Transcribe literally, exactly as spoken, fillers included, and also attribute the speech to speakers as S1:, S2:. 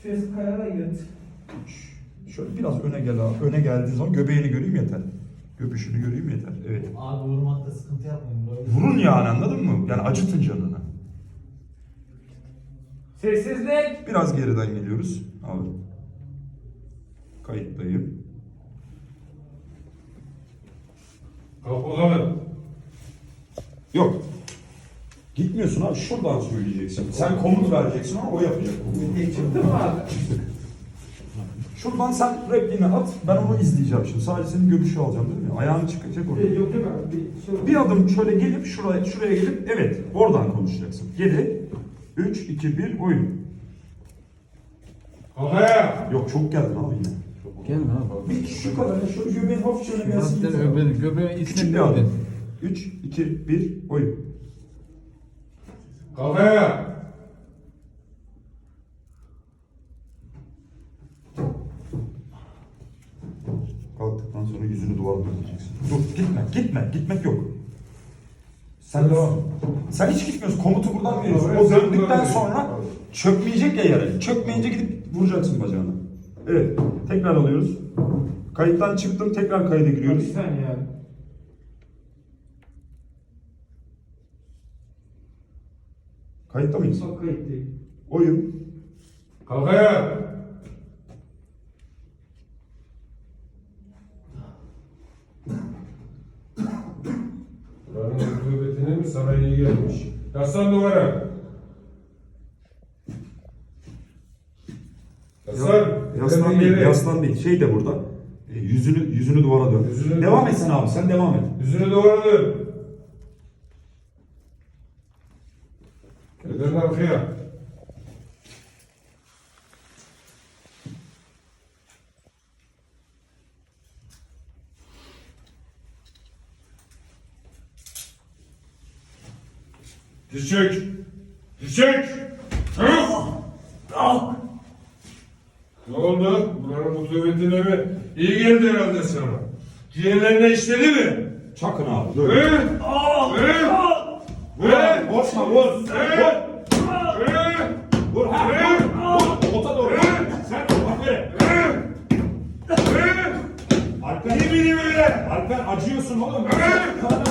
S1: Ses kayara yat.
S2: üç. Şöyle biraz öne gel abi. Öne geldiği zaman göbeğini göreyim yeter. Göbüşünü göreyim yeter. Evet.
S3: Abi vurmakta sıkıntı yapmayın. Böyle.
S2: Vurun yani, anladın mı? Yani acıtın canını.
S1: Sessizlik.
S2: Biraz geriden geliyoruz. Abi. Kayıttayım.
S4: Kalk bakalım.
S2: Yok. Gitmiyorsun abi. Şuradan söyleyeceksin. Sen komut vereceksin ama o yapacak.
S1: Çıktı mı abi?
S2: Şuradan sen repliğini at. Ben onu izleyeceğim şimdi. Sadece senin göbüşü alacağım değil mi? Ayağını çıkacak orada.
S1: Yok yok abi. Bir, şey
S2: Bir adım şöyle gelip şuraya şuraya gelip evet oradan konuşacaksın. Yedi, üç, iki, bir oyun.
S4: Kalk ayağa.
S2: Yok çok geldin abi yine.
S5: Gelme abi.
S2: Bir şu kadar şu göbeğin hafifçe öne gelsin.
S5: Zaten
S2: yeter.
S5: öbür göbeğin
S2: Küçük
S5: içine
S2: bir
S5: bir
S2: adım. üç, iki, bir oyun.
S4: Kalk ayağa.
S2: Kalktıktan sonra yüzünü duvara döneceksin. Dur gitme gitme gitmek yok. Sen devam. Sen hiç gitmiyorsun. Komutu buradan veriyorsun.
S4: Evet,
S2: O
S4: sen
S2: döndükten
S4: buradan
S2: sonra çökmeyecek ya yere. Çökmeyince gidip vuracaksın bacağına. Evet. Tekrar alıyoruz. Kayıttan çıktım. Tekrar kayda
S1: Bir
S2: giriyoruz.
S1: saniye abi.
S2: Kayıtta mıyız?
S1: Çok kayıt değil.
S2: Oyun.
S4: Kalk ayağa. Buranın rutubetine mi sana iyi gelmiş? Yaslan duvara. Yaslan.
S2: Yaslan
S4: Ellerini
S2: değil.
S4: yere.
S2: Yaslan değil. Şey de burada. E, yüzünü yüzünü duvara dön.
S4: Yüzünü-
S2: Devam et sen abi. Sen devam et.
S4: Yüzünü duvara dön. Ellerini arkaya. Diz çök. Diz çök. Kalk. Ne oldu? Buranın rutubetine mi? İyi geldi herhalde sana. Ciğerlerine işledi mi?
S2: Çakın abi. Dur.
S4: Hı? Hı? Hı?
S2: Boşma vur.
S4: Hı? Hı?
S2: Vur. Ha, vur. Vur. Ota doğru. Sen aferin.
S4: Hı? Hı?
S2: Alper.
S4: İyi miydi böyle?
S2: Alper acıyorsun oğlum.
S4: Hı?